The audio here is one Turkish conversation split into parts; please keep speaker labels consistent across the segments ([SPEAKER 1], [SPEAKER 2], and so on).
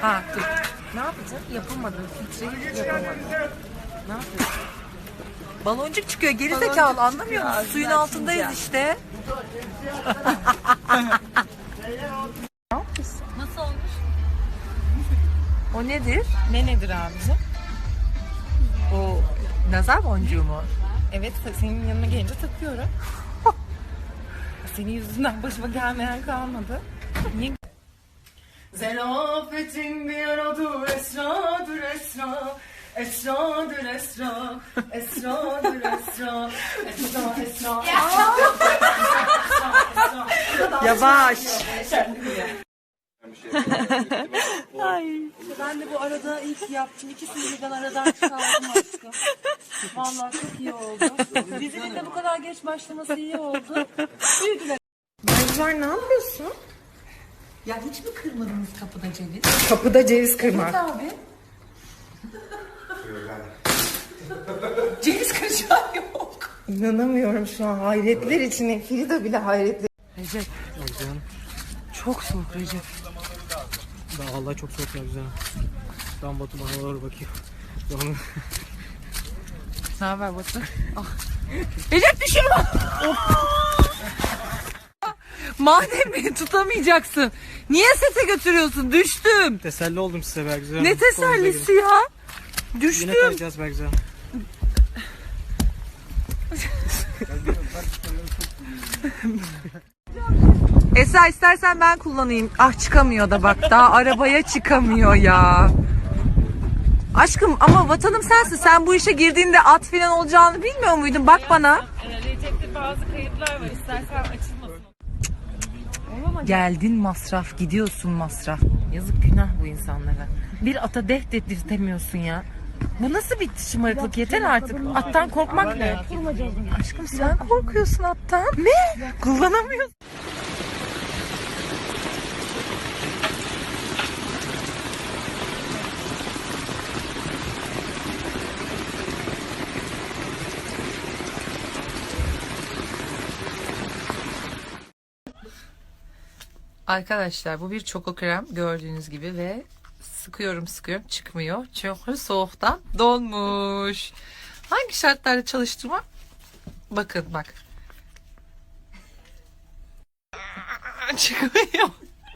[SPEAKER 1] Ha dur. Ne yapacağız? Yapamadım. Filtreyi yapamadım. Ne yapacağız? Baloncuk çıkıyor. Gerizekalı anlamıyor musun? Suyun altındayız işte. Ne yapıyorsun?
[SPEAKER 2] Nasıl olmuş?
[SPEAKER 1] O nedir?
[SPEAKER 2] Ne nedir abicim?
[SPEAKER 1] O nazar boncuğu mu?
[SPEAKER 2] Evet, senin yanına gelince takıyorum. Senin yüzünden başıma gelmeyen kalmadı. Niye? Zerafetin bir adı esradır esra. Esradır esra. Esradır esra. Esra esra.
[SPEAKER 1] Yavaş.
[SPEAKER 2] Ay. Ben de bu arada ilk yaptım. İkisini birden aradan çıkardım aşkım. Vallahi çok iyi oldu. Dizinin de bu kadar geç başlaması iyi oldu. Büyüdüler. Mercan ne yapıyorsun?
[SPEAKER 1] Ya hiç mi kırmadınız kapıda ceviz?
[SPEAKER 2] Kapıda ceviz kırmak.
[SPEAKER 1] Abi.
[SPEAKER 2] Ceviz kıracağı yok. İnanamıyorum şu an. Hayretler içine. Frida bile hayretler.
[SPEAKER 1] Recep. Çok soğuk Recep.
[SPEAKER 3] Vallahi çok soğuk ya güzel. Tam Batu bana doğru bakıyor.
[SPEAKER 1] Ne haber Batu? Ah. Recep düşüyor. Madem beni tutamayacaksın. Niye sete götürüyorsun? Düştüm.
[SPEAKER 3] Teselli oldum size be güzel.
[SPEAKER 1] Ne tesellisi ya? Düştüm.
[SPEAKER 3] Yine kayacağız be güzel.
[SPEAKER 1] Esra istersen ben kullanayım. Ah çıkamıyor da bak. Daha arabaya çıkamıyor ya. Aşkım ama vatanım sensin. Sen bu işe girdiğinde at falan olacağını bilmiyor muydun? Bak bana.
[SPEAKER 2] Recep'te bazı kayıtlar var. İstersen açılmasın.
[SPEAKER 1] Geldin masraf, gidiyorsun masraf. Yazık günah bu insanlara. Bir ata deh dedirtemiyorsun ya. Bu nasıl bir şımarıklık? Yeter artık. Attan korkmak ne? Aşkım sen korkuyorsun attan. Ne? Kullanamıyorsun. Arkadaşlar bu bir çoko krem gördüğünüz gibi ve sıkıyorum çıkmıyor. Çünkü soğuktan donmuş. Hangi şartlarda çalıştırma? Bakın bak. Çıkmıyor.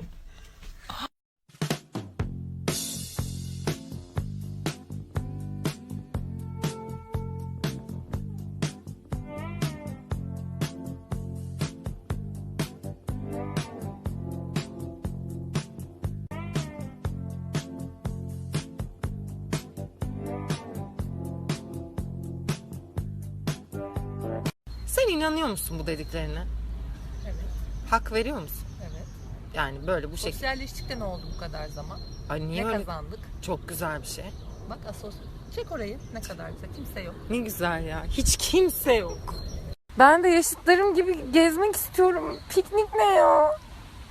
[SPEAKER 2] Sen inanıyor musun bu dediklerine?
[SPEAKER 1] Evet.
[SPEAKER 2] Hak veriyor musun?
[SPEAKER 1] Evet.
[SPEAKER 2] Yani böyle bu şekilde.
[SPEAKER 1] Sosyalleştik de ne oldu bu kadar zaman?
[SPEAKER 2] Ay niye
[SPEAKER 1] Ne
[SPEAKER 2] öyle?
[SPEAKER 1] kazandık?
[SPEAKER 2] Çok güzel bir şey.
[SPEAKER 1] Bak çek orayı. Ne kadar güzel. Kimse yok.
[SPEAKER 2] Ne güzel ya. Hiç kimse yok. Ben de yaşıtlarım gibi gezmek istiyorum. Piknik ne ya?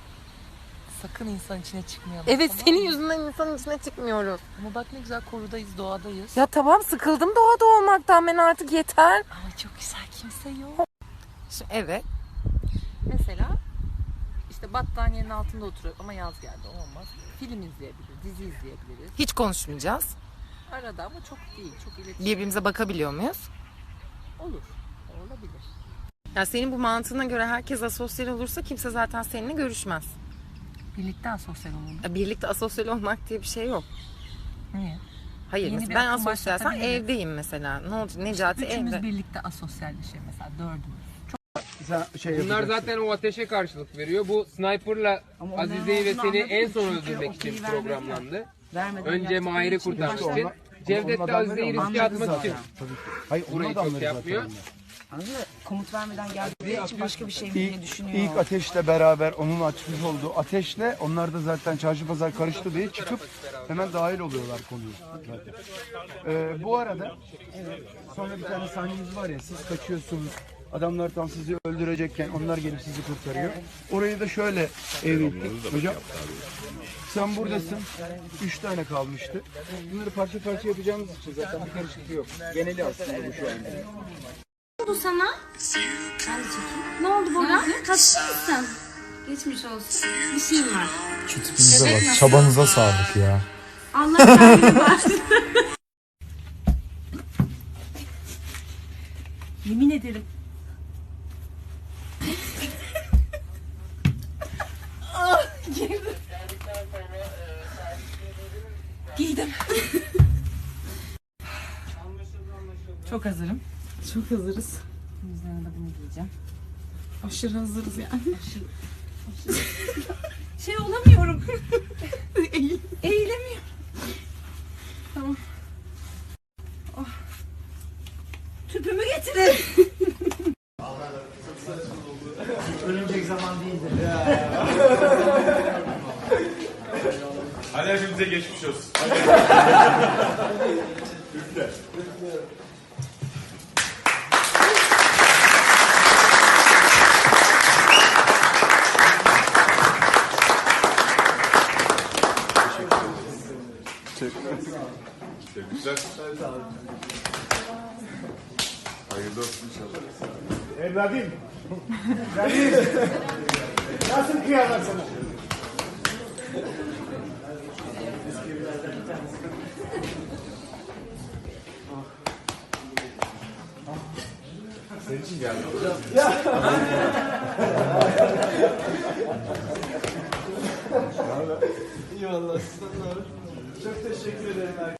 [SPEAKER 1] Sakın insan içine çıkmayalım.
[SPEAKER 2] Evet
[SPEAKER 1] tamam
[SPEAKER 2] senin
[SPEAKER 1] mı?
[SPEAKER 2] yüzünden insanın içine çıkmıyoruz.
[SPEAKER 1] Ama bak ne güzel korudayız, doğadayız.
[SPEAKER 2] Ya tamam sıkıldım doğada olmaktan ben artık yeter.
[SPEAKER 1] Ama çok güzel kimse yok.
[SPEAKER 2] Evet.
[SPEAKER 1] Mesela işte battaniyenin altında oturuyor ama yaz geldi olmaz. Film izleyebiliriz, dizi izleyebiliriz.
[SPEAKER 2] Hiç konuşmayacağız.
[SPEAKER 1] Arada ama çok değil, çok iletişim.
[SPEAKER 2] Birbirimize bakabiliyor muyuz?
[SPEAKER 1] Olur, olabilir.
[SPEAKER 2] Ya senin bu mantığına göre herkes asosyal olursa kimse zaten seninle görüşmez.
[SPEAKER 1] Birlikte asosyal olalım.
[SPEAKER 2] Ya birlikte asosyal olmak diye bir şey yok.
[SPEAKER 1] Niye?
[SPEAKER 2] Hayır
[SPEAKER 1] Yeni
[SPEAKER 2] mesela
[SPEAKER 1] bir
[SPEAKER 2] ben
[SPEAKER 1] akım
[SPEAKER 2] asosyalsem
[SPEAKER 1] başlatabiliriz.
[SPEAKER 2] evdeyim mesela. Ne olacak? Necati
[SPEAKER 1] Üçümüz
[SPEAKER 2] evde.
[SPEAKER 1] birlikte asosyalleşelim mesela, dördümüz.
[SPEAKER 4] Bunlar zaten o ateşe karşılık veriyor. Bu sniper'la Azize'yi ve seni en son öldürmek için programlandı. Önce Mahir'i kurtarmak için. Cevdet de Azize'yi riske atmak için.
[SPEAKER 5] Hayır,
[SPEAKER 4] Burayı çok yapmıyor.
[SPEAKER 6] Komut vermeden geldiği için başka bir şey mi düşünüyor?
[SPEAKER 5] İlk ateşle beraber onun açmış olduğu ateşle onlar da zaten çarşı pazar karıştı diye çıkıp hemen dahil oluyorlar konuya. Bu arada sonra bir tane sahneniz var ya, siz kaçıyorsunuz. Adamlar tam sizi öldürecekken onlar gelip sizi kurtarıyor. Orayı da şöyle evrildik. Hocam sen buradasın. 3 tane kalmıştı. Bunları parça parça yapacağımız için zaten bir karışıklık yok. Geneli aslında bu şu anda.
[SPEAKER 7] Ne oldu sana? Ben de çekeyim. Ne oldu Bora? Hasta mısın? Geçmiş olsun. Bir şeyim var.
[SPEAKER 5] Şu tipinize bak. Çabanıza sağlık ya.
[SPEAKER 7] Allah kendini var.
[SPEAKER 2] Yemin ederim. Giydim.
[SPEAKER 1] Çok hazırım.
[SPEAKER 2] Çok hazırız.
[SPEAKER 1] Üzerine de bunu giyeceğim.
[SPEAKER 2] Aşırı hazırız yani. Şey olamıyorum. Eğilemiyorum. Tamam. Oh. Tüpümü getirin.
[SPEAKER 8] Hadi hepimize geçmiş olsun. Tebrikler. Hayırlı olsun inşallah.
[SPEAKER 5] Evladım. Nasıl kıyarlar sana?
[SPEAKER 8] Senin için geldim.
[SPEAKER 5] İyi vallahi sizden de. Çok teşekkür ederim herkese.